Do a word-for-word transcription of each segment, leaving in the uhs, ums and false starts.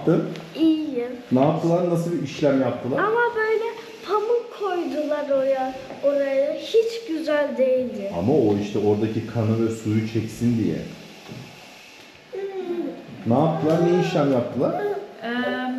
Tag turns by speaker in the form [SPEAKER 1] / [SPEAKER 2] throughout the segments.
[SPEAKER 1] yaptın?
[SPEAKER 2] İyiyim.
[SPEAKER 1] Ne yaptılar? Nasıl bir işlem yaptılar?
[SPEAKER 2] Ama böyle pamuk koydular oraya. Oraya hiç güzel değildi.
[SPEAKER 1] Ama o işte oradaki kanı ve suyu çeksin diye. Ne yaptılar? Ne işlem yaptılar?
[SPEAKER 3] Ee,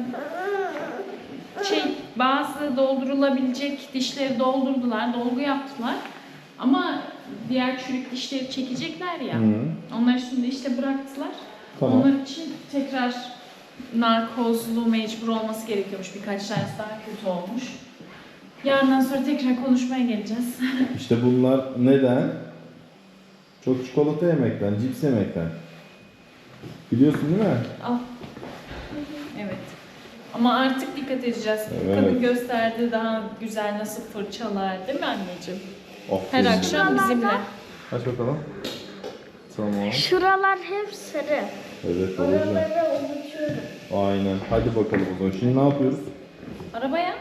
[SPEAKER 3] şey bazı doldurulabilecek dişleri doldurdular, dolgu yaptılar. Ama diğer çürük dişleri çekecekler ya.
[SPEAKER 1] Hı.
[SPEAKER 3] Onları şimdi işte bıraktılar.
[SPEAKER 1] Tamam.
[SPEAKER 3] Onlar için tekrar narkozlu mecbur olması gerekiyormuş. Birkaç tanesi daha kötü olmuş. Yarından sonra tekrar konuşmaya geleceğiz.
[SPEAKER 1] İşte bunlar neden? Çok çikolata yemekten, cips yemekten. Biliyorsun değil mi?
[SPEAKER 3] Al. Evet. Ama artık dikkat edeceğiz.
[SPEAKER 1] Evet.
[SPEAKER 3] Kadın gösterdi daha güzel nasıl fırçalar, değil mi anneciğim?
[SPEAKER 1] Aferin.
[SPEAKER 3] Her akşam bizimle.
[SPEAKER 1] Aç bakalım. Tamam.
[SPEAKER 2] Şuralar hep sarı.
[SPEAKER 1] Evet olacak.
[SPEAKER 2] Oraları unutuyorum.
[SPEAKER 1] Aynen. Hadi bakalım o zaman. Şimdi ne yapıyoruz?
[SPEAKER 3] Arabaya.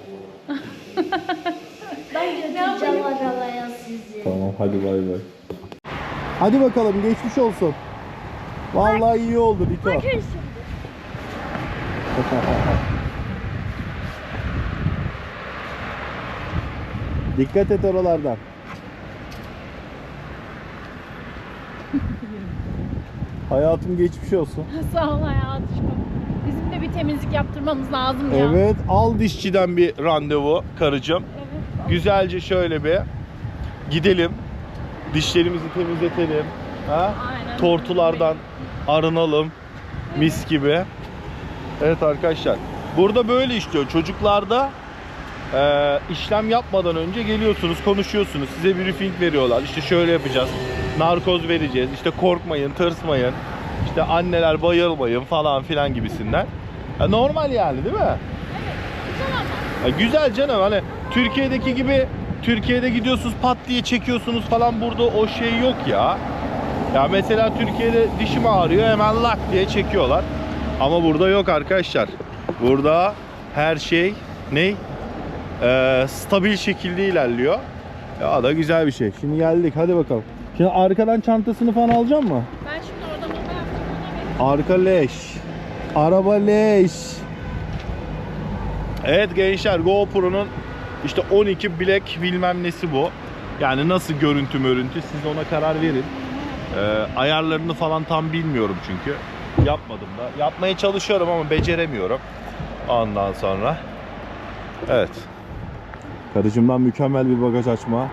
[SPEAKER 2] Ben götüreceğim arabaya sizi.
[SPEAKER 1] Tamam hadi bay bay. Hadi bakalım geçmiş olsun. Vallahi iyi oldu Diko.
[SPEAKER 2] Bakın şimdi.
[SPEAKER 1] Dikkat et oralardan. Hayatım geçmiş olsun.
[SPEAKER 3] Sağ ol hayatım. Bizim de bir temizlik yaptırmamız lazım ya.
[SPEAKER 1] Evet, al dişçiden bir randevu karıcığım.
[SPEAKER 3] Evet.
[SPEAKER 1] Güzelce şöyle bir gidelim. Dişlerimizi temizletelim. Ha?
[SPEAKER 3] Aynen.
[SPEAKER 1] Tortulardan arınalım. Mis gibi. Evet arkadaşlar. Burada böyle işliyor. Çocuklarda e, işlem yapmadan önce geliyorsunuz, konuşuyorsunuz. Size briefing veriyorlar. İşte şöyle yapacağız. Narkoz vereceğiz. İşte korkmayın, tırsmayın. İşte anneler bayılmayın falan filan gibisinden. Ya normal yani değil mi?
[SPEAKER 3] Güzel ama.
[SPEAKER 1] Ya güzel canım, hani Türkiye'deki gibi Türkiye'de gidiyorsunuz pat diye çekiyorsunuz falan, burada o şey yok ya. Ya mesela Türkiye'de dişim ağrıyor hemen lak diye çekiyorlar. Ama burada yok arkadaşlar. Burada her şey ne? Ee, stabil şekilde ilerliyor. Ya da güzel bir şey. Şimdi geldik hadi bakalım. Şimdi arkadan çantasını falan alacak mı?
[SPEAKER 3] Ben şimdi orada mama yaptım. Ona
[SPEAKER 1] Arka leş. Araba leş. Evet gençler, GoPro'nun işte on iki Black bilmem nesi bu. Yani nasıl görüntü mörüntü, siz ona karar verin. Ee, ayarlarını falan tam bilmiyorum çünkü. Yapmadım da. Yapmaya çalışıyorum ama beceremiyorum. Ondan sonra. Evet. Karıcığımdan mükemmel bir bagaj açma.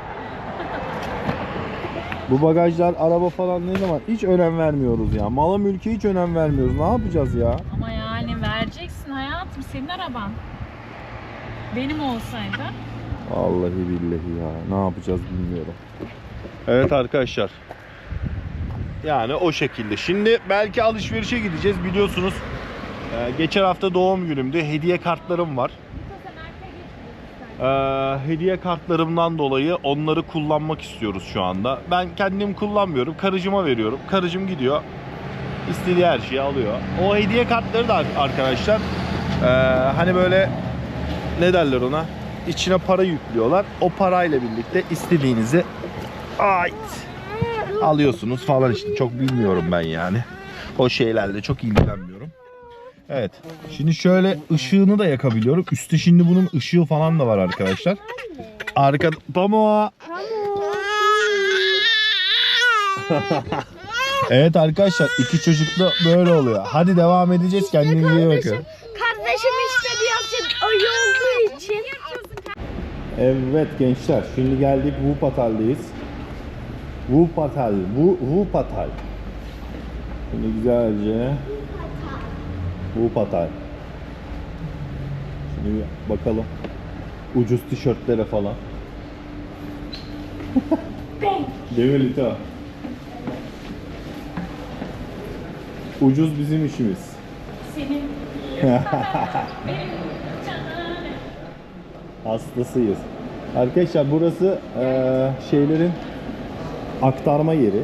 [SPEAKER 1] Bu bagajlar, araba falan ne zaman hiç önem vermiyoruz ya. Mala mülke hiç önem vermiyoruz. Ne yapacağız ya?
[SPEAKER 3] Ama yani vereceksin hayatım, senin araban. Benim olsaydı.
[SPEAKER 1] Vallahi billahi ya. Ne yapacağız bilmiyorum. Evet arkadaşlar. Yani o şekilde. Şimdi belki alışverişe gideceğiz. Biliyorsunuz e, geçen hafta doğum günümdü. Hediye kartlarım var. E, hediye kartlarımdan dolayı onları kullanmak istiyoruz şu anda. Ben kendim kullanmıyorum. Karıcıma veriyorum. Karıcım gidiyor, İstediği her şeyi alıyor. O hediye kartları da arkadaşlar e, hani böyle ne derler ona? İçine para yüklüyorlar. O parayla birlikte istediğinizi ait alıyorsunuz falan işte. Çok bilmiyorum ben yani. O şeylerle çok ilgilenmiyorum. Evet. Şimdi şöyle ışığını da yakabiliyorum. Üstte şimdi bunun ışığı falan da var arkadaşlar. Arka Pamuk. Evet arkadaşlar, iki çocuk da böyle oluyor. Hadi devam edeceğiz. Kendinize iyi bakın.
[SPEAKER 2] Kardeşim işte birazcık ayı olduğu için.
[SPEAKER 1] Evet gençler, şimdi geldik Wuppertal'deyiz. Wuppertal, Wu, Wuppertal. Şimdi güzelce Wuppertal. Şimdi bir bakalım ucuz tişörtlere falan. Değil mi Lito? Ucuz bizim işimiz.
[SPEAKER 3] Senin.
[SPEAKER 1] Hastasıyız. Arkadaşlar burası eee, şeylerin aktarma yeri.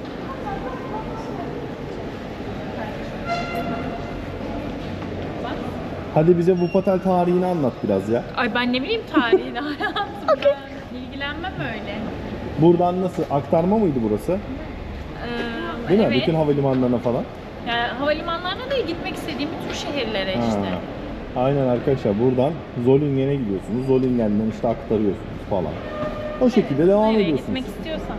[SPEAKER 1] Hadi bize Wuppertal tarihini anlat biraz ya.
[SPEAKER 3] Ay ben ne bileyim tarihini hayatım. Ben ilgilenmem öyle.
[SPEAKER 1] Buradan nasıl? Aktarma mıydı burası?
[SPEAKER 3] Ee,
[SPEAKER 1] Değil mi?
[SPEAKER 3] evet.
[SPEAKER 1] Bütün havalimanlarına falan.
[SPEAKER 3] Yani havalimanlarına da gitmek istediğim bütün şehirlere işte.
[SPEAKER 1] Ha. Aynen arkadaşlar, buradan Zollingen'e gidiyorsunuz. Zollingen'den işte aktarıyorsunuz falan. O şekilde devam
[SPEAKER 3] Nereye
[SPEAKER 1] ediyorsunuz.
[SPEAKER 3] gitmek istiyorsan.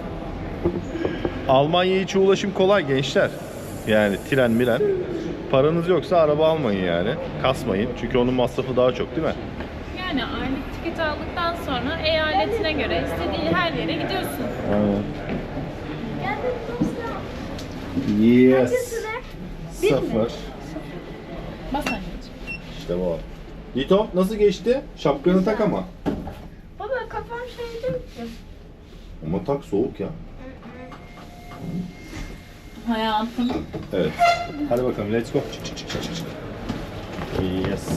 [SPEAKER 1] Almanya içi ulaşım kolay gençler. Yani tren miren. Paranız yoksa araba almayın yani. Kasmayın. Çünkü onun masrafı daha çok değil mi?
[SPEAKER 3] Yani aylık tiket aldıktan sonra eyaletine göre istediğin her yere gidiyorsun.
[SPEAKER 1] Aynen.
[SPEAKER 2] Geldim dostlar.
[SPEAKER 1] Yes.
[SPEAKER 2] Hangisine? Bir mi?
[SPEAKER 1] Sıfır.
[SPEAKER 3] Bas anneciğim.
[SPEAKER 1] İşte bu. Lito nasıl geçti? Şapkanı tak ama.
[SPEAKER 2] Baba kafam şey değil ki.
[SPEAKER 1] Ama tak, soğuk ya.
[SPEAKER 3] Hayatım.
[SPEAKER 1] Evet. Hadi bakalım, let's go. Çık çık çık çık çık. Yes.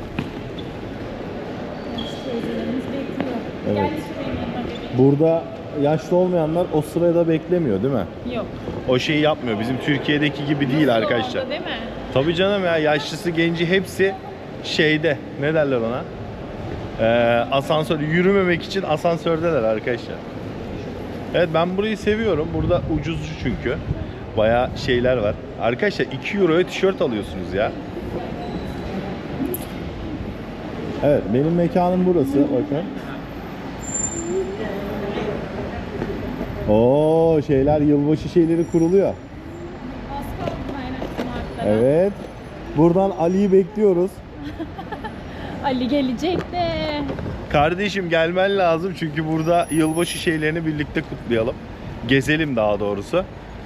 [SPEAKER 3] Teyzelerimiz bekliyor.
[SPEAKER 1] Evet.
[SPEAKER 3] Gel şuraya yanıma bebeğim.
[SPEAKER 1] Burada yaşlı olmayanlar o sırada beklemiyor değil mi?
[SPEAKER 3] Yok.
[SPEAKER 1] O şeyi yapmıyor. Bizim Türkiye'deki gibi değil
[SPEAKER 3] Nasıl
[SPEAKER 1] arkadaşlar.
[SPEAKER 3] oldu, değil mi?
[SPEAKER 1] Tabii canım ya, yaşlısı genci hepsi şeyde, ne derler ona? Ee, asansör, yürümemek için asansördeler arkadaşlar. Evet, ben burayı seviyorum. Burada ucuz çünkü. Bayağı şeyler var. Arkadaşlar iki euroya tişört alıyorsunuz ya. Evet, benim mekanım burası. Bakın. Oo, şeyler, yılbaşı şeyleri kuruluyor.
[SPEAKER 3] Baskı oldu aynen martlara.
[SPEAKER 1] Evet. Buradan Ali'yi bekliyoruz.
[SPEAKER 3] Ali gelecek de.
[SPEAKER 1] Kardeşim gelmen lazım çünkü burada yılbaşı şeylerini birlikte kutlayalım. Gezelim daha doğrusu.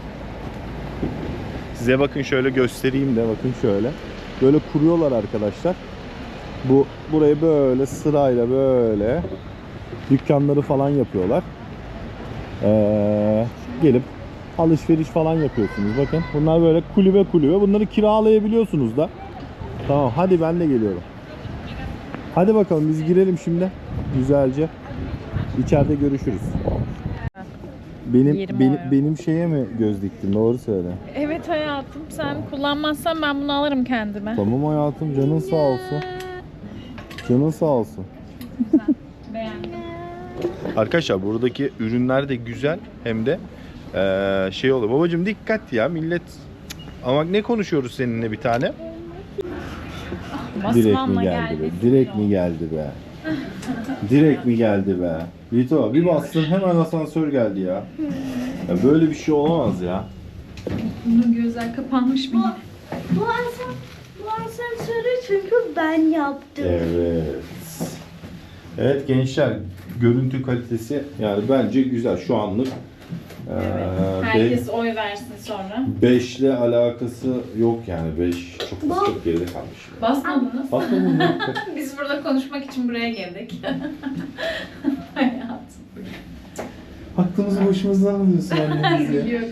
[SPEAKER 1] Size bakın şöyle göstereyim de, bakın şöyle. Böyle kuruyorlar arkadaşlar. Bu burayı böyle sırayla böyle dükkanları falan yapıyorlar. Ee, gelip alışveriş falan yapıyorsunuz. Bakın bunlar böyle kulübe kulübe. Bunları kiralayabiliyorsunuz da. Tamam, hadi ben de geliyorum. Hadi bakalım biz girelim şimdi güzelce. İçeride görüşürüz. Benim
[SPEAKER 3] Yirmi
[SPEAKER 1] benim,
[SPEAKER 3] euro.
[SPEAKER 1] benim şeye mi göz diktin? Doğru söyle.
[SPEAKER 3] Evet hayatım, sen kullanmazsan ben bunu alırım kendime.
[SPEAKER 1] Tamam hayatım, canın sağ olsun. Canın sağ olsun.
[SPEAKER 3] Beğendim.
[SPEAKER 1] Arkadaşlar buradaki ürünler de güzel, hem de eee, şey oluyor. Babacım dikkat ya, millet. Ama ne konuşuyoruz seninle bir tane? Direkt mi
[SPEAKER 3] Basmanla
[SPEAKER 1] geldi be?
[SPEAKER 3] geldi.
[SPEAKER 1] Direkt mi geldi be? Direkt mi geldi be? Lito bir bastın hemen asansör geldi ya. Ya böyle bir şey olamaz ya.
[SPEAKER 3] Bunun gözler kapanmış mı?
[SPEAKER 2] Bu asam, bu asansörü çünkü ben yaptım.
[SPEAKER 1] Evet. Evet gençler, görüntü kalitesi yani bence güzel şu anlık.
[SPEAKER 3] Evet. Herkes oy versin sonra.
[SPEAKER 1] beş ile alakası yok yani, beş çok çok geride kalmış.
[SPEAKER 3] Basmadınız.
[SPEAKER 1] Bakın mı?
[SPEAKER 3] Biz burada konuşmak için buraya geldik. Hayatım.
[SPEAKER 1] Aklımızı başımızdan alıyorsun annemiz ya.
[SPEAKER 3] Biliyorum.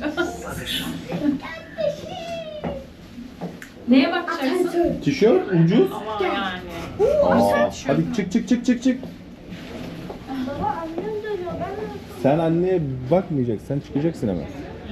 [SPEAKER 3] Neye bakacaksın?
[SPEAKER 2] Asansör.
[SPEAKER 1] Tişört ucuz.
[SPEAKER 3] Ama yani.
[SPEAKER 1] Aa, hadi çık çık çık çık çık.
[SPEAKER 2] Baba annem dönüyor. Ben de
[SPEAKER 1] Sen anneye bakmayacaksın, çıkacaksın hemen.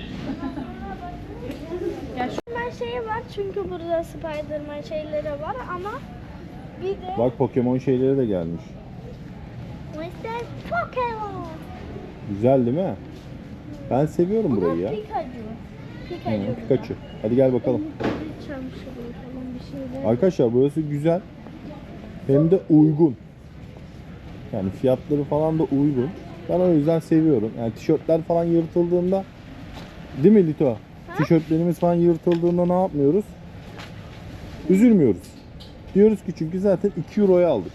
[SPEAKER 3] Ya şu
[SPEAKER 2] Spiderman şeyi var çünkü burada Spiderman şeyleri var ama bir de
[SPEAKER 1] Bak Pokemon şeyleri de gelmiş.
[SPEAKER 2] mister Pokemon.
[SPEAKER 1] Güzel değil mi? Ben seviyorum
[SPEAKER 2] Bu
[SPEAKER 1] burayı
[SPEAKER 2] da
[SPEAKER 1] ya.
[SPEAKER 2] Pikachu. Pikachu.
[SPEAKER 1] Hı, Pikachu. Hadi gel bakalım.
[SPEAKER 2] Bir çamaşırı falan bir şeyler.
[SPEAKER 1] Arkadaşlar burası güzel. Hem de uygun. Yani fiyatları falan da uygun. Ben o yüzden seviyorum. Yani tişörtler falan yırtıldığında, değil mi Lito? Tişörtlerimiz falan yırtıldığında ne yapmıyoruz? Üzülmüyoruz. Diyoruz ki çünkü zaten iki euroya aldık.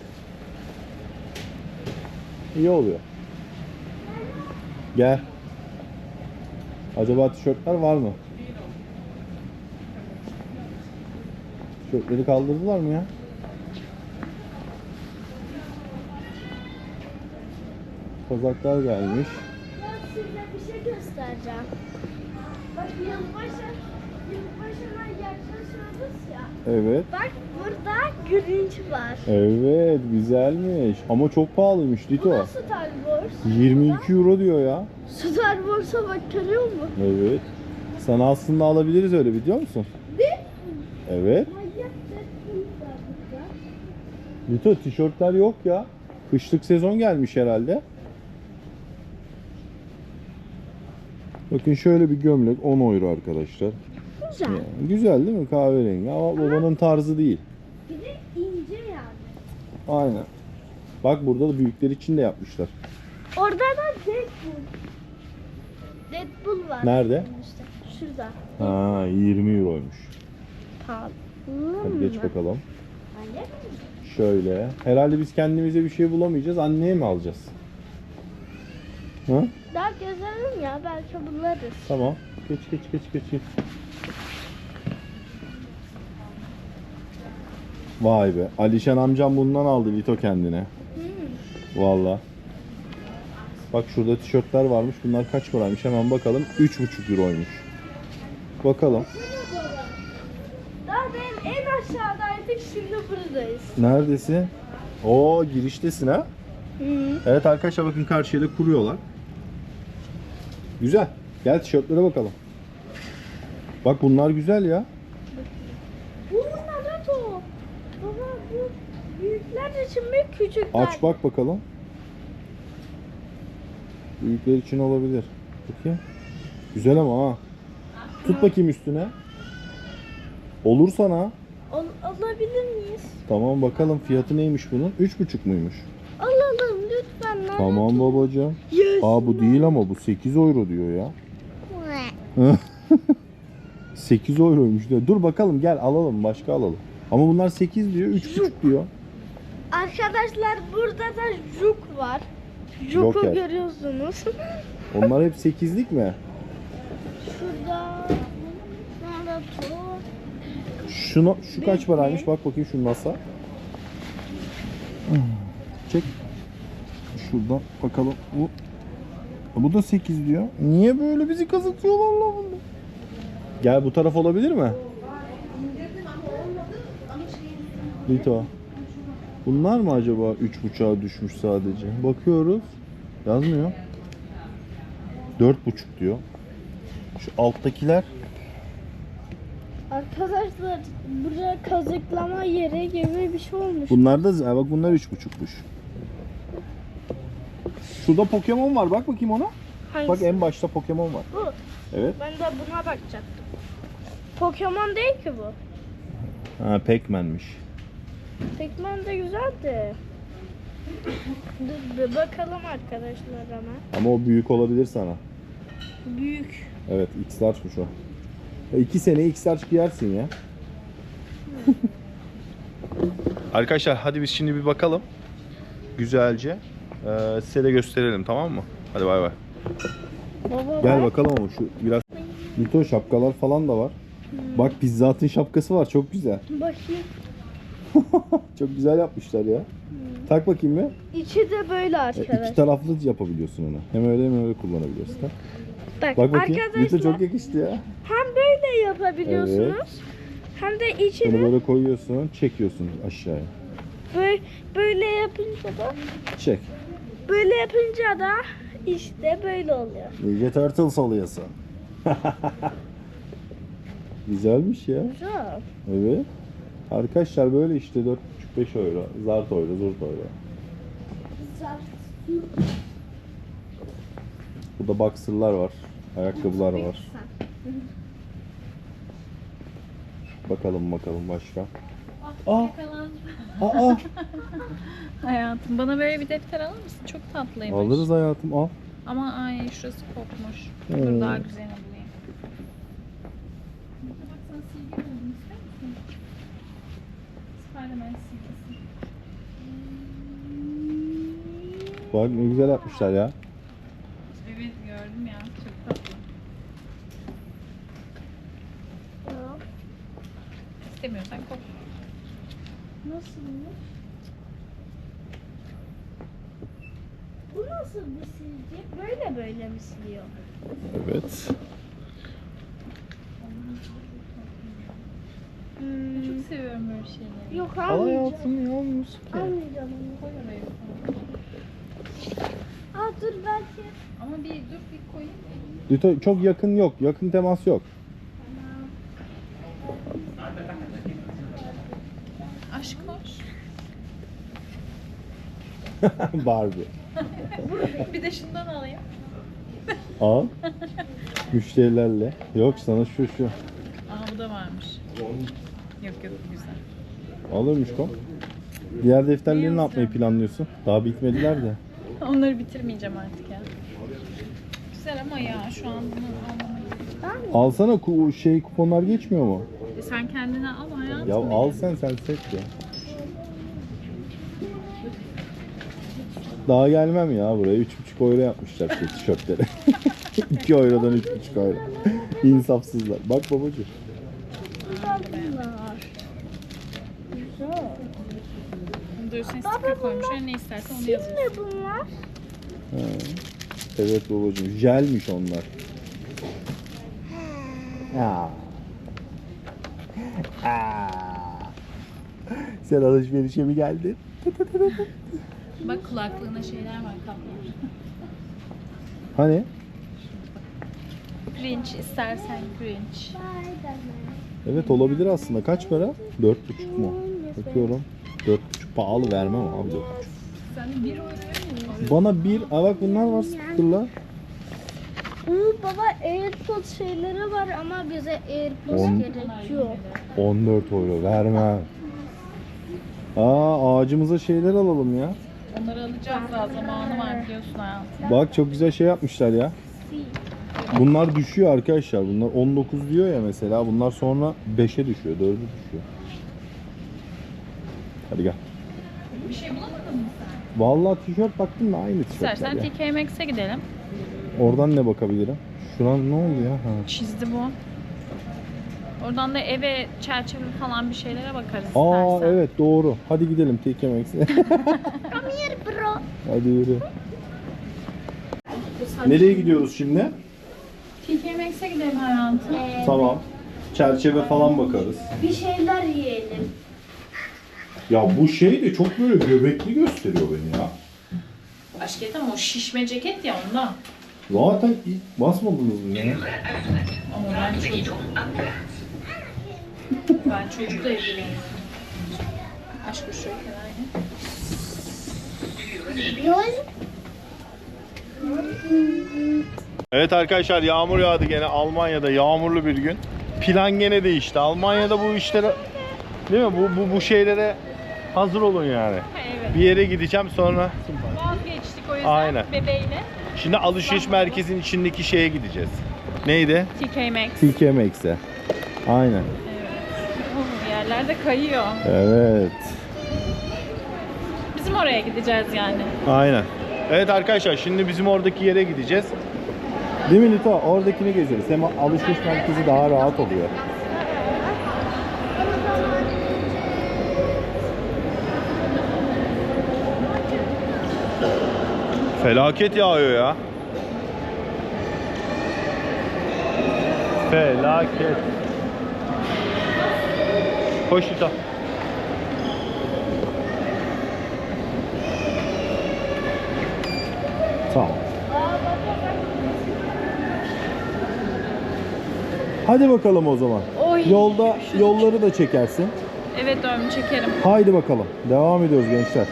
[SPEAKER 1] İyi oluyor. Gel. Acaba tişörtler var mı? Tişörtleri kaldırdılar mı ya? Kazaklar gelmiş.
[SPEAKER 2] Ben size bir şey göstereceğim. Bak yılbaşı, yılbaşına yaklaşıyoruz ya.
[SPEAKER 1] Evet.
[SPEAKER 2] Bak burada Grinch var.
[SPEAKER 1] Evet, güzelmiş. Ama çok pahalıymış
[SPEAKER 2] Bu
[SPEAKER 1] Lito.
[SPEAKER 2] da Star Wars.
[SPEAKER 1] yirmi iki euro diyor ya.
[SPEAKER 2] Star Wars'a bak görüyor musun?
[SPEAKER 1] Evet. Sana aslında alabiliriz öyle, biliyor musun?
[SPEAKER 2] Ne?
[SPEAKER 1] Evet.
[SPEAKER 2] Manyak Deadpool var burada.
[SPEAKER 1] Lito tişörtler yok ya. Kışlık sezon gelmiş herhalde. Bakın şöyle bir gömlek on euro arkadaşlar.
[SPEAKER 2] güzel.
[SPEAKER 1] Yani güzel değil mi? Kahverengi ama babanın tarzı değil.
[SPEAKER 2] Bir de ince yani.
[SPEAKER 1] Aynen. Bak burada da büyükler için de yapmışlar.
[SPEAKER 2] Orada da Deadpool. Deadpool var.
[SPEAKER 1] Nerede?
[SPEAKER 2] İşte şurada.
[SPEAKER 1] Ha, yirmi euroymuş.
[SPEAKER 2] Pahalı.
[SPEAKER 1] Hadi geç bakalım.
[SPEAKER 2] Anne mi?
[SPEAKER 1] Şöyle. Herhalde biz kendimize bir şey bulamayacağız. Anneye mi alacağız? Ha?
[SPEAKER 2] Daha gezelim ya, belki buluruz.
[SPEAKER 1] Tamam. Geç geç geç geç. geç. Vay be. Alişan amcam bundan aldı Lito kendine.
[SPEAKER 2] Hmm.
[SPEAKER 1] Valla. Bak şurada tişörtler varmış. Bunlar kaç paraymış? Hemen bakalım. üç buçuk euroymuş. Bakalım.
[SPEAKER 2] Daha ben en aşağıdaydık, şimdi buradayız.
[SPEAKER 1] Neredesin? Oo, giriştesin ha.
[SPEAKER 2] Hı.
[SPEAKER 1] Evet arkadaşlar, bakın karşıya da kuruyorlar. Güzel. Gel tişörtlere bakalım. Bak bunlar güzel ya.
[SPEAKER 2] Bu Naruto. Baba bu büyükler için mi, küçükler?
[SPEAKER 1] Aç bak bakalım. Büyükler için olabilir. Bakayım. Güzel ama ha. Tut bakayım üstüne. Olur sana.
[SPEAKER 2] Al alabilir miyiz?
[SPEAKER 1] Tamam bakalım fiyatı neymiş bunun? üç buçuk muymuş?
[SPEAKER 2] Alalım lütfen Naruto.
[SPEAKER 1] Tamam babacığım.
[SPEAKER 2] Yes.
[SPEAKER 1] Aa bu değil ama bu sekiz euro diyor ya. sekiz euroymuş diyor. Dur bakalım, gel alalım, başka alalım. Ama bunlar sekiz diyor, üç buçuk diyor.
[SPEAKER 2] Arkadaşlar burada da Juk var. Juk'u
[SPEAKER 1] Joker.
[SPEAKER 2] görüyorsunuz.
[SPEAKER 1] Onlar hep sekizlik mi?
[SPEAKER 2] Şurada Naruto.
[SPEAKER 1] Şunu, şu kaç paraymış? Bak bakayım şu NASA. Çek. Şuradan bakalım. Bu bu da sekiz diyor. Niye böyle bizi kazıtıyorlar lan bunu? Gel bu taraf olabilir mi? Lito. Bunlar mı acaba üç buçuğa düşmüş sadece? Bakıyoruz. Yazmıyor. dört buçuk diyor. Şu alttakiler
[SPEAKER 2] Arkadaşlar buraya kazıklama yeri gibi bir şey olmuş.
[SPEAKER 1] bunlar da ha, bak bunlar üç buçukmuş. Şurada Pokemon var. Bak bakayım ona.
[SPEAKER 2] Hangisi?
[SPEAKER 1] Bak en başta Pokemon var.
[SPEAKER 2] Bu.
[SPEAKER 1] Evet.
[SPEAKER 2] Ben de buna bakacaktım. Pokemon değil ki bu.
[SPEAKER 1] Ha, Pac-Man'miş.
[SPEAKER 2] Pac-Man de güzeldi. Dur bir bakalım arkadaşlar ama.
[SPEAKER 1] Ama o büyük olabilir sana.
[SPEAKER 2] Büyük.
[SPEAKER 1] Evet, X-Large'mış o. E, iki sene X-Large giyersin ya. Arkadaşlar hadi biz şimdi bir bakalım. Güzelce. Ee, size de gösterelim, tamam mı? Hadi bay bay.
[SPEAKER 2] Baba
[SPEAKER 1] Gel
[SPEAKER 2] bak.
[SPEAKER 1] bakalım ama şu biraz. Lito şapkalar falan da var. Bak Pizza Hut'ın şapkası var, çok güzel.
[SPEAKER 2] Bakayım.
[SPEAKER 1] Çok güzel yapmışlar ya. Tak bakayım bir.
[SPEAKER 2] İçi de böyle
[SPEAKER 1] E,
[SPEAKER 2] arkadaşlar.
[SPEAKER 1] iki taraflı yapabiliyorsun onu. Hem öyle hem öyle kullanabiliyorsun. Ha?
[SPEAKER 2] Bak,
[SPEAKER 1] Bak bakayım. Lito
[SPEAKER 2] arkadaşlar
[SPEAKER 1] çok yakıştı ya.
[SPEAKER 2] hem böyle yapabiliyorsunuz. Hem de
[SPEAKER 1] Bunu
[SPEAKER 2] içini
[SPEAKER 1] böyle koyuyorsun, çekiyorsun aşağıya.
[SPEAKER 2] böyle, böyle yapınca da
[SPEAKER 1] Çek.
[SPEAKER 2] böyle yapınca da işte böyle oluyor.
[SPEAKER 1] Ninja Turtles oluyorsun. Güzelmiş ya.
[SPEAKER 2] Güzel.
[SPEAKER 1] Evet. Arkadaşlar böyle işte dört buçuk beş euro. Zart euro, zurt euro. Burada boxer'lar var. Ayakkabılar var. Bakalım bakalım başka. Aa! Aa!
[SPEAKER 3] Hayatım bana böyle bir defter alır mısın? Çok tatlıymış.
[SPEAKER 1] Alırız hayatım, al.
[SPEAKER 3] Ama ay şurası kopmuş.
[SPEAKER 1] Hmm.
[SPEAKER 3] Dur daha güzelini bulayım. Bak sana silgi buldum, ister misin? Spiderman silgisi.
[SPEAKER 1] Bak ne güzel yapmışlar ya.
[SPEAKER 3] Evet gördüm ya, çok tatlı. İstemiyorsan kop.
[SPEAKER 2] Nasılmış? Bu nasıl bir silgi? Böyle böyle mi siliyor?
[SPEAKER 1] Evet.
[SPEAKER 2] Hmm.
[SPEAKER 3] Çok seviyorum böyle şeyleri.
[SPEAKER 2] Yok
[SPEAKER 1] Al
[SPEAKER 2] almayacağım.
[SPEAKER 1] hayatım ya, olmuş ki.
[SPEAKER 2] Almayacağım onu.
[SPEAKER 3] Koy oraya.
[SPEAKER 2] Aa dur belki.
[SPEAKER 3] Ama bir dur bir koyayım.
[SPEAKER 1] Lito, çok yakın yok. Yakın temas yok.
[SPEAKER 3] Aşk hoş.
[SPEAKER 1] Barbie.
[SPEAKER 3] Bir de şundan alayım.
[SPEAKER 1] Al. Müşterilerle. Yok sana şu şu.
[SPEAKER 3] Aa bu Yok yok güzel.
[SPEAKER 1] Alırmış kom. Diğer defterleri ne yapmayı planlıyorsun? Daha bitmediler de.
[SPEAKER 3] Onları bitirmeyeceğim artık ya. Güzel ama ya şu an bunu almamayı.
[SPEAKER 1] Alsana ku şey kuponlar geçmiyor mu?
[SPEAKER 3] E sen kendine al hayatım.
[SPEAKER 1] Ya
[SPEAKER 3] benim.
[SPEAKER 1] al sen sen seç ya. Daha gelmem ya buraya. üç buçuk euro yapmışlar şey tişörtleri. iki eurodan üç buçuk euro. İnsafsızlar. Bak babacığım.
[SPEAKER 2] Bunlar. Güzel.
[SPEAKER 3] Bunda üstüne sticker koymuşlar. Ne istersen onu yazıyorsun.
[SPEAKER 2] Ne bunlar?
[SPEAKER 1] Ha. Evet babacığım. Jelmiş onlar. Ya. Aa. Sen alışverişe mi geldin?
[SPEAKER 3] Bak kulaklığına şeyler var, kaplar.
[SPEAKER 1] Hani?
[SPEAKER 3] Cringe istersen cringe.
[SPEAKER 1] Evet olabilir aslında. Kaç para? Dört buçuk mu? Bakıyorum. Dört buçuk pahalı vermem abi dört buçuk.
[SPEAKER 3] Sen bir euroya mı?
[SPEAKER 1] Bana bir, aa bak bunlar var sticker'lar.
[SPEAKER 2] Oo, baba AirPods şeyleri var ama bize AirPods
[SPEAKER 1] On-
[SPEAKER 2] gerekiyor.
[SPEAKER 1] on dört euro vermem. Aa ağacımıza şeyler alalım ya.
[SPEAKER 3] Onları alacağız daha zamanı var biliyorsun hayatım.
[SPEAKER 1] Bak çok güzel şey yapmışlar ya. Bunlar düşüyor arkadaşlar. Bunlar on dokuz diyor ya mesela. Bunlar sonra beşe düşüyor, dörde düşüyor. Hadi gel.
[SPEAKER 3] Bir şey bulamadın mı sen?
[SPEAKER 1] Vallahi tişört baktım da aynı tişörtler
[SPEAKER 3] İstersen
[SPEAKER 1] ya.
[SPEAKER 3] T K M X'e gidelim.
[SPEAKER 1] Oradan ne bakabilirim? Şuran ne oldu ya? Ha.
[SPEAKER 3] Çizdi bu. Oradan da eve çerçeve falan bir şeylere bakarız
[SPEAKER 1] Aa
[SPEAKER 3] istersen.
[SPEAKER 1] evet doğru. Hadi gidelim T K M X'e.
[SPEAKER 2] Come here bro.
[SPEAKER 1] Hadi yürü. Nereye gidiyoruz şimdi?
[SPEAKER 3] T K M X'e gidelim hayatım.
[SPEAKER 2] Ee,
[SPEAKER 1] Tamam. Çerçeve falan bakarız.
[SPEAKER 2] Bir şeyler yiyelim.
[SPEAKER 1] Ya bu şey de çok böyle göbekli gösteriyor beni ya.
[SPEAKER 3] Aşk et ama o şişme ceket ya ondan.
[SPEAKER 1] Zaten ilk basmadınız mı ya?
[SPEAKER 3] Ama ben çocuk. Ben çocukla ilgiliyim. Aşk o şöyle kenarda.
[SPEAKER 1] Evet arkadaşlar yağmur yağdı gene Almanya'da yağmurlu bir gün. Plan gene değişti. Almanya'da bu işlere değil mi? Bu bu bu şeylere hazır olun yani.
[SPEAKER 3] Evet.
[SPEAKER 1] Bir yere gideceğim sonra.
[SPEAKER 3] Vazgeçtik o yüzden
[SPEAKER 1] Aynen.
[SPEAKER 3] bebeğiyle.
[SPEAKER 1] Şimdi alışveriş merkezinin içindeki şeye gideceğiz. Neydi?
[SPEAKER 3] T K M X.
[SPEAKER 1] T K M X'e. Aynen.
[SPEAKER 3] Evet. Oh, yerlerde kayıyor.
[SPEAKER 1] Evet.
[SPEAKER 3] Bizim oraya gideceğiz yani.
[SPEAKER 1] Aynen. Evet arkadaşlar şimdi bizim oradaki yere gideceğiz. Değil mi Nito? Oradakini gezeriz. Hem alışveriş merkezi daha rahat oluyor. Felaket yağıyor ya. Felaket. Koş Nito. Tamam. Hadi bakalım o zaman.
[SPEAKER 3] Oy.
[SPEAKER 1] Yolda yolları da çekersin.
[SPEAKER 3] Evet dövme çekerim.
[SPEAKER 1] Haydi bakalım. Devam ediyoruz gençler.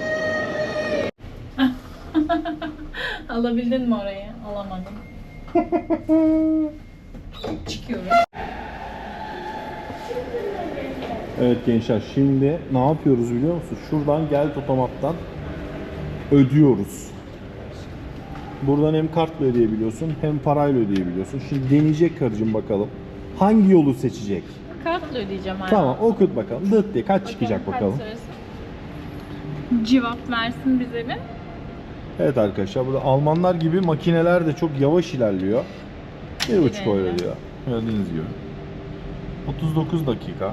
[SPEAKER 3] Alabildin mi orayı? Alamadım. Çıkıyorum.
[SPEAKER 1] Evet gençler şimdi ne yapıyoruz biliyor musun? Şuradan gel otomattan ödüyoruz. Buradan hem kartla ödeyebiliyorsun hem parayla ödeyebiliyorsun. Şimdi deneyecek karıcığım bakalım. Hangi yolu seçecek?
[SPEAKER 3] Kartla ödeyeceğim abi.
[SPEAKER 1] Tamam okut bakalım. Dıt diye kaç çıkacak
[SPEAKER 3] Kaç
[SPEAKER 1] bakalım.
[SPEAKER 3] sırası? Cevap versin bize bir.
[SPEAKER 1] Evet arkadaşlar burada Almanlar gibi makineler de çok yavaş ilerliyor. bir buçuk euro diyor. Gördüğünüz gibi. otuz dokuz dakika.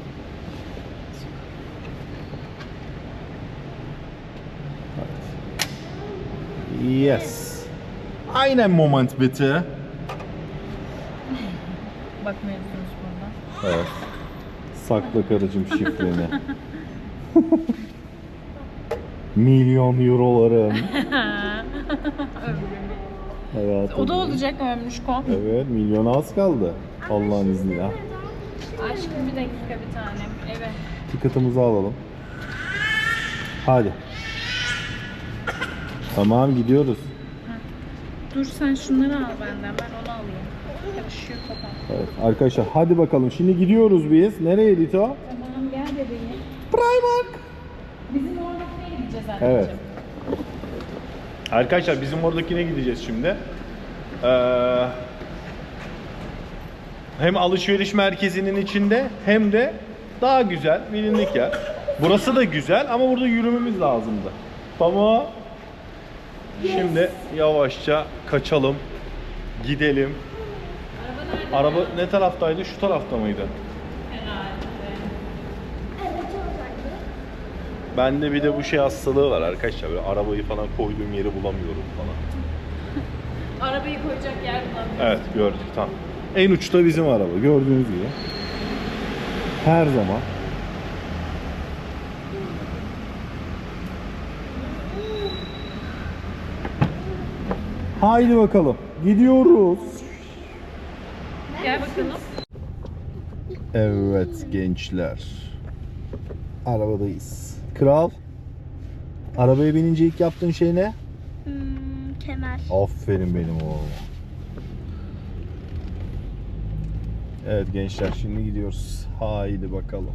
[SPEAKER 1] Evet. Yes. Aynen moment bitte.
[SPEAKER 3] Bakmıyorsunuz burada.
[SPEAKER 1] Evet. Sakla karıcığım şifreni. Milyon eurolarım. Evet.
[SPEAKER 3] O da olacak Ömrüşkom.
[SPEAKER 1] Evet, milyona az kaldı. Allah'ın izniyle.
[SPEAKER 3] Aşkım bir dakika bir tanem. Evet.
[SPEAKER 1] Ticket'ımızı alalım. Hadi. Tamam gidiyoruz.
[SPEAKER 3] Dur sen şunları al benden. Ben onu alayım. Karışıyor kafam.
[SPEAKER 1] Evet arkadaşlar hadi bakalım. Şimdi gidiyoruz biz. Nereye Lito?
[SPEAKER 3] Tamam gel bebeğim.
[SPEAKER 1] Primark.
[SPEAKER 3] Bizim oradakine gideceğiz anneciğim.
[SPEAKER 1] Evet. Arkadaşlar bizim oradakine gideceğiz şimdi. Ee, hem alışveriş merkezinin içinde hem de daha güzel bilindik yer. Burası da güzel ama burada yürümemiz lazımdı. Tamam. Şimdi yavaşça kaçalım. Gidelim.
[SPEAKER 3] Araba nerede?
[SPEAKER 1] Araba ne taraftaydı? Şu tarafta mıydı?
[SPEAKER 3] Herhalde.
[SPEAKER 2] Evet oradaydı.
[SPEAKER 1] Bende bir de bu şey hastalığı var arkadaşlar. Böyle arabayı falan koyduğum yeri bulamıyorum falan.
[SPEAKER 3] Arabayı koyacak yer bulamıyorum.
[SPEAKER 1] Evet gördük tamam. En uçta bizim araba gördüğünüz gibi. Her zaman. Haydi bakalım. Gidiyoruz.
[SPEAKER 3] Gel bakalım.
[SPEAKER 1] Evet gençler. Arabadayız. Kral. Arabaya binince ilk yaptığın şey ne?
[SPEAKER 2] Hmm, kemer.
[SPEAKER 1] Aferin benim oğlum. Evet gençler şimdi gidiyoruz. Haydi bakalım.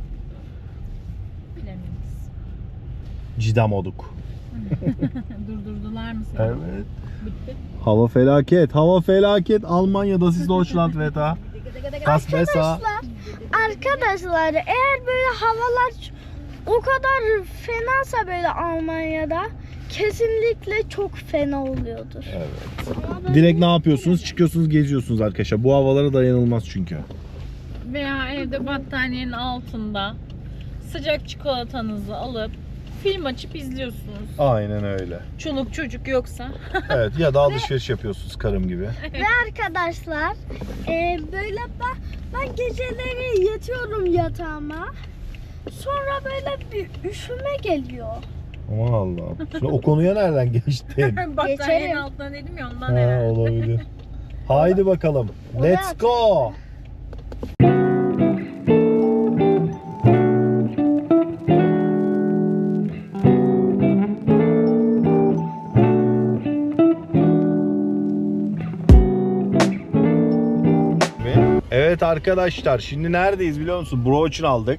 [SPEAKER 3] Bilemeyiz.
[SPEAKER 1] Cidam olduk.
[SPEAKER 3] Durdurdular mı seni?
[SPEAKER 1] Evet.
[SPEAKER 3] Bitti.
[SPEAKER 1] Hava felaket. Hava felaket. Almanya'da siz Deutschland Wetter. Das besser.
[SPEAKER 2] Arkadaşlar, arkadaşlar eğer böyle havalar o kadar fenasa böyle Almanya'da kesinlikle çok fena oluyordur.
[SPEAKER 1] Evet.
[SPEAKER 2] Ama böyle-
[SPEAKER 1] Direkt ne yapıyorsunuz? Çıkıyorsunuz, geziyorsunuz arkadaşlar. Bu havalara dayanılmaz çünkü.
[SPEAKER 3] Veya evde battaniyenin altında sıcak çikolatanızı alıp film açıp izliyorsunuz.
[SPEAKER 1] Aynen öyle.
[SPEAKER 3] Çoluk çocuk yoksa.
[SPEAKER 1] Evet ya da alışveriş yapıyorsunuz karım gibi.
[SPEAKER 2] Ve arkadaşlar e, böyle ben, ben geceleri yatıyorum yatağıma. Sonra böyle bir üşüme geliyor.
[SPEAKER 1] Aman Allah'ım. Şimdi o konuya nereden geçtin?
[SPEAKER 3] Battaniyenin
[SPEAKER 2] Geçerim.
[SPEAKER 3] altından dedim ya ondan
[SPEAKER 1] Ha,
[SPEAKER 3] herhalde.
[SPEAKER 1] olabilir. Haydi bakalım. Let's go. Evet arkadaşlar şimdi neredeyiz biliyor musun? Broach'un aldık.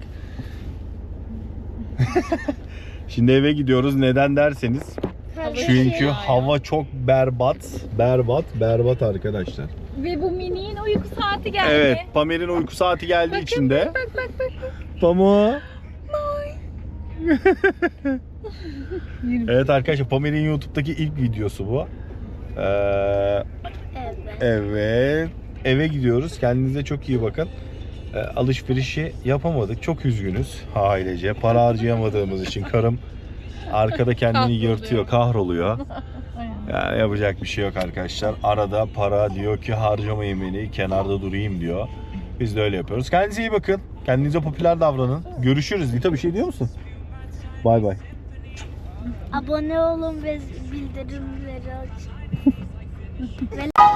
[SPEAKER 1] Şimdi eve gidiyoruz. Neden derseniz çünkü hava çok berbat. Berbat, berbat arkadaşlar.
[SPEAKER 3] Ve bu miniğin uyku saati geldi.
[SPEAKER 1] Evet, Pamir'in uyku saati geldiği
[SPEAKER 3] Bakın,
[SPEAKER 1] için de.
[SPEAKER 3] Bak bak bak. bak.
[SPEAKER 1] Pamu. Evet arkadaşlar Pamir'in YouTube'daki ilk videosu bu. Ee,
[SPEAKER 2] Evet.
[SPEAKER 1] evet. Eve gidiyoruz. Kendinize çok iyi bakın. Ee, alışverişi yapamadık. Çok üzgünüz ailece. Para harcayamadığımız için karım arkada kendini
[SPEAKER 3] Kahroluyor.
[SPEAKER 1] yırtıyor, kahroluyor.
[SPEAKER 3] Aynen.
[SPEAKER 1] Yani yapacak bir şey yok arkadaşlar. Arada para diyor ki harcamayın beni, kenarda durayım diyor. Biz de öyle yapıyoruz. Kendinize iyi bakın. Kendinize popüler davranın. Görüşürüz. Lita bir şey diyor musun? Bay bay.
[SPEAKER 2] Abone olun ve bildirimleri açın. Ve